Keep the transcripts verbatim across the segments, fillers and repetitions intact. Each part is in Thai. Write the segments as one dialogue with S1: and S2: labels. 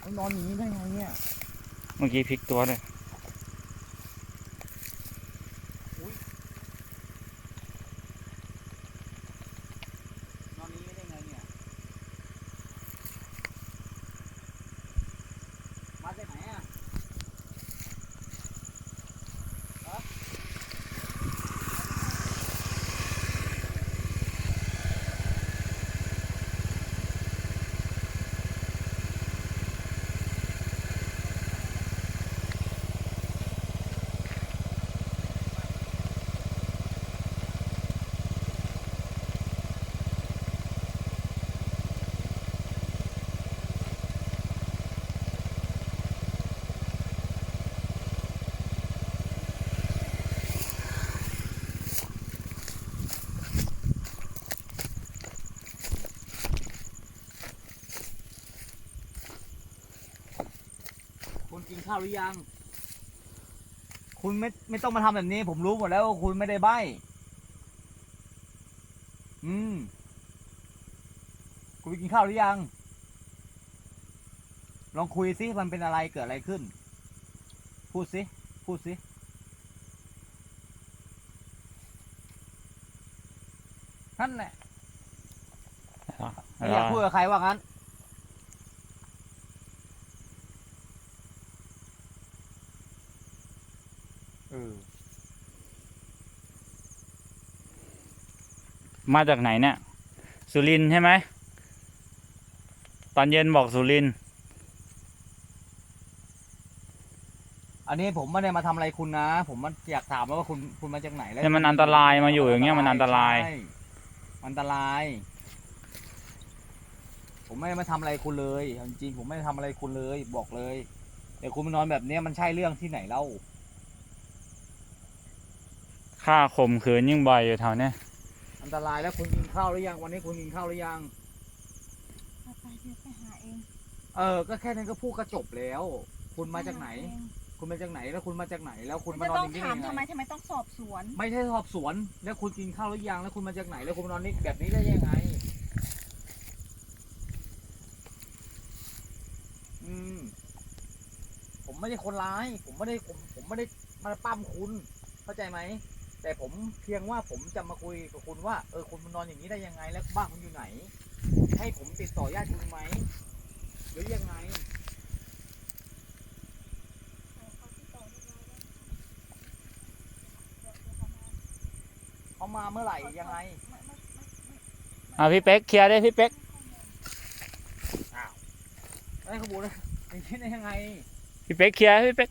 S1: นอนอย่างนี้ได้ไงเนี่ย
S2: เมื่อกี้พลิกตัวเลย
S1: นอนอย่างนี้ได้ไงเนี่ยมาจากไหนอ่ะคุณกินข้าวหรือยังคุณไม่ไม่ต้องมาทำแบบนี้ผมรู้หมดแล้วว่าคุณไม่ได้ใบ้อืมคุณไปกินข้าวหรือยังลองคุยสิมันเป็นอะไรเกิดอะไรขึ้นพูดสิพูดสินั่นแหละไม่อยากพูดกับใครว่างั้นเออ
S2: มาจากไหนเนี่ยสุรินทร์ใช่ไหมตอนเย็นบอกสุรินทร์
S1: อันนี้ผมไม่ได้มาทำอะไรคุณนะผมมันอยากถามว่าคุณคุณมาจากไหนแล้ว
S2: เนี่ยมันอันตรายมาอยู่อย่างเงี้ยมันอันตราย
S1: ใช่อันตรายผมไม่ได้มาทำอะไรคุณเลยจริงๆผมไม่ได้ทำอะไรคุณเลยบอกเลยแต่คุณมานอนแบบนี้มันใช่เรื่องที่ไหนเล่า
S2: ค่าข่มขืนยิ่งบ่อยอยู่แถวเนี้ย
S1: อันตรายแล้วคุณกินข้าวหรือยังวันนี้คุณกินข้าวหรือยัง
S3: ไปเดี๋ยวไปหาเอง
S1: เออก็แค่นั้นก็พูดก็จบแล้ว คุณมาจากไหน คุณมาจากไหนแล้วคุณมาจากไหนแล้วคุณมานอนอย่างนี้ได้ยังไง
S3: ทำไมทำไมต้องสอบสวน
S1: ไม่ใช่สอบสวนแล้วคุณกินข้าวหรือยังแล้วคุณมาจากไหนแล้วคุณมานอนนี่แบบนี้ได้ยังไงอืมผมไม่ได้คนร้ายผมไม่ได้ผมผมไม่ได้มาปั้มคุณเข้าใจไหมแต่ผมเพียงว่าผมจะมาคุยกับคุณว่าเออคุณมานอนอย่างนี้ได้ยังไงแล้วบ้านคุณอยู่ไหนให้ผมติดต่อญาติคุณไหมหรือยังไงเขามาเมื่อไหร่ยังไง
S2: อ่ะพี่เป๊กเคลียร์ได้พี่เป๊ก
S1: อ้าวไอ้ขบวนเลยอย่างนี้ได้ยังไง
S2: พี่เป๊กเคลียร์พี่เป๊ก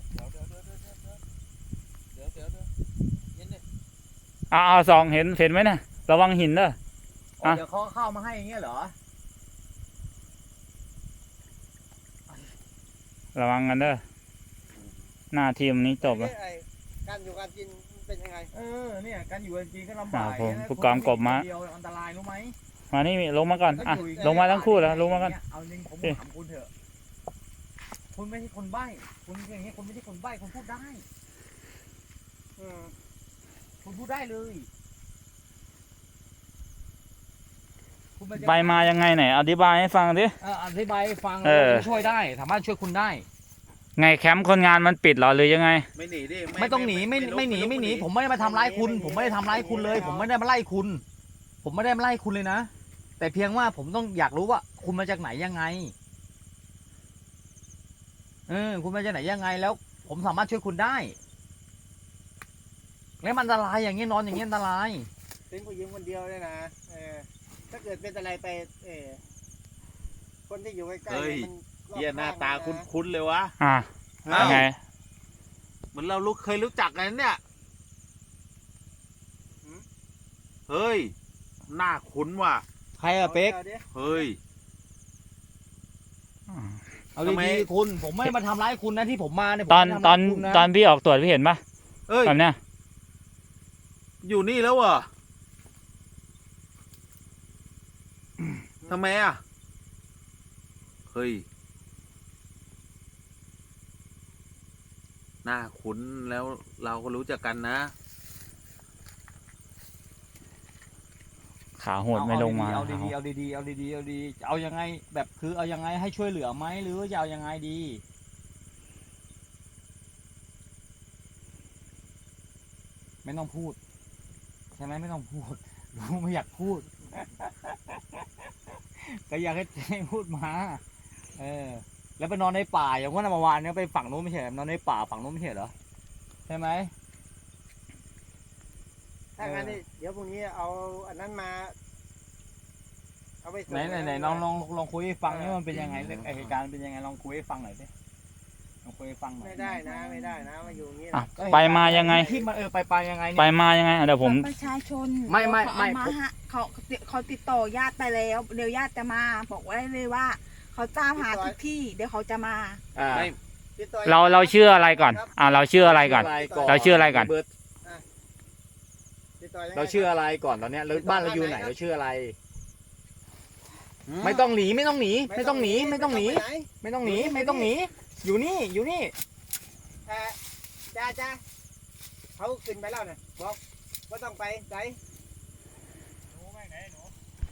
S1: เดี๋ยวเดี๋ยวเดี๋ยวเดี๋ยวเดี๋ยวเย็นดิ
S2: อ้าวสองเห็นเห็นไหมนะระวังหินเด้อ
S1: อ๋อเดี๋ยวเขาเข้ามาให้อย่างเงี้ยเหรอ
S2: ระวังกันเด้อหน้าทีมนี้จบแล้ว
S4: การอยู่การกินเป็นยังไง
S1: เออเนี่ยการอยู่กันจริงก็ลำบาก
S2: ผมผู้กองกบมา
S1: เดียวอันตรายรู้ไหม
S2: มานี่ลงมาก่อนอ่ะลงมาทั้งคู่แล้วลงมากัน
S1: เอาจริงผมถามคุณเถอะคุณไม่ใช่คนใบ้คุณอย่างเงี้ยคุณไม่ใช่คนใบ้คุณพูดได้คุณพูดได้เลย
S2: ใบมายังไงไหนอธิบายให้ฟังดิ
S1: เอออธิบายให้ฟังแล้วช่วยได้สามารถช่วยคุณได้
S2: ไงแคมป์คนงานมันปิดหรอหรือยังไง
S4: ไม่หนีดิ
S1: ไม่ต้องหนีไม่ไม่หนีไม่หนีผมไม่ได้มาทำร้ายคุณผมไม่ได้ทำร้ายคุณเลยผมไม่ได้มาไล่คุณผมไม่ได้มาไล่คุณเลยนะแต่เพียงว่าผมต้องอยากรู้ว่าคุณมาจากไหนยังไงเออคุณมาจากไหนยังไงแล้วผมสามารถช่วยคุณได้แล้วมันอันตรายอย่างเงี้ยนอนอย่างเงี้ยอันตราย
S4: เป็นผู้หญิงคนเดียวเลยนะเออถ้าเกิดเป็นอะไรไปเออคนที่อยู่ใกล้ๆมัน
S5: เฮียหน้าตาคุ้นๆเลยวะ
S2: อ่าไง
S5: เหมือนเรารู้เคยรู้จักกันเนี่ยเฮ้ยหน้าคุ้นว่ะ
S1: ใครอะเป๊ก
S5: เฮ้ย
S1: เอาดีๆคุณผมไม่มาทำร้ายคุณนะที่ผมมาเนี่ย
S2: ตอนตอนตอนพี่ออกตรวจพี่เห็นปะ
S5: เอ้ย
S2: แบบเนี้ย
S5: อยู่นี่แล้วเหรอทำไมอ่ะเฮ้ยหน้าคุ้นแล้วเราก็รู้จักกันนะ
S2: คขาโหดไม่ลงมา
S1: เอาดีๆเอาดีๆเอาดีๆเอาดีๆเอายังไงแบบคือเอายังไงให้ช่วยเหลือไหมหรือว่าจะเอายังไงดี ไม่ต้องพูดใช่ไหมไม่ต้องพูดรู้ไม่อยากพูด ก็อยากให้ให้พูดมาเออแล้วไปนอนในป่าอย่างว่าเมื่อวานเนี้ยไปฝั่งนู้นไม่ใช่เหรอนอนในป่าฝั่งนู้นไม่ใช่เหรอใช่ไหม
S4: ถ้างั้นนี่เดี๋ยวพรุ่งนี้เอาอันนั้นมา เอาไปส่ง
S1: ไหนไหนไหนลองลองลองคุยให้ฟังนี่มันเป็นยังไงเรื่องเหตุการณ์เป็นยังไงลองคุยให้ฟังหน่อยสิลองคุยให้ฟังหน่อย
S4: ไม่ได้นะ ไม่ได้นะมาอยู่อย่างนี้
S2: อ่ะ
S4: นะ
S2: ไปมายังไง
S1: ที่มันเออไปไปยังไง
S2: ไป
S1: เนี่ย
S2: มายังไงอ่ะเดี๋ยวผม
S3: ประชาชน
S1: ไม่ไม่
S3: เขา
S1: ไม่
S3: เอามา
S1: ผม
S3: ฮะเขาเขาติดต่อญาติไปแล้วเดี๋ยวญาติจะมา บอกไว้เลยว่า เขาตามหาทุกที่ เดี๋ยวเขาจะมา
S1: อ่า
S5: ไม่
S4: ติดต่อ
S2: เราเราชื่ออะไรก่อน อ่าเราชื่ออะไรก่อน เราชื่ออะไรก่อน
S1: เบิร์ต
S4: ติดต่อยังไง
S1: เราชื่ออะไรก่อนตอนเนี้ยเราบ้านเราอยู่ไหนเราชื่ออะไร ไม่ต้องหนีไม่ต้องหนีไม่ต้องหนีไม่ต้องหนี
S4: ไปไ
S1: ไม่ต้องหนีไม่ต้องหนีอยู่นี่อยู่นี่
S4: เอ่อจ้าจ้าเขาขึ้นไปแล้วนะบอกว่าต้องไปไหน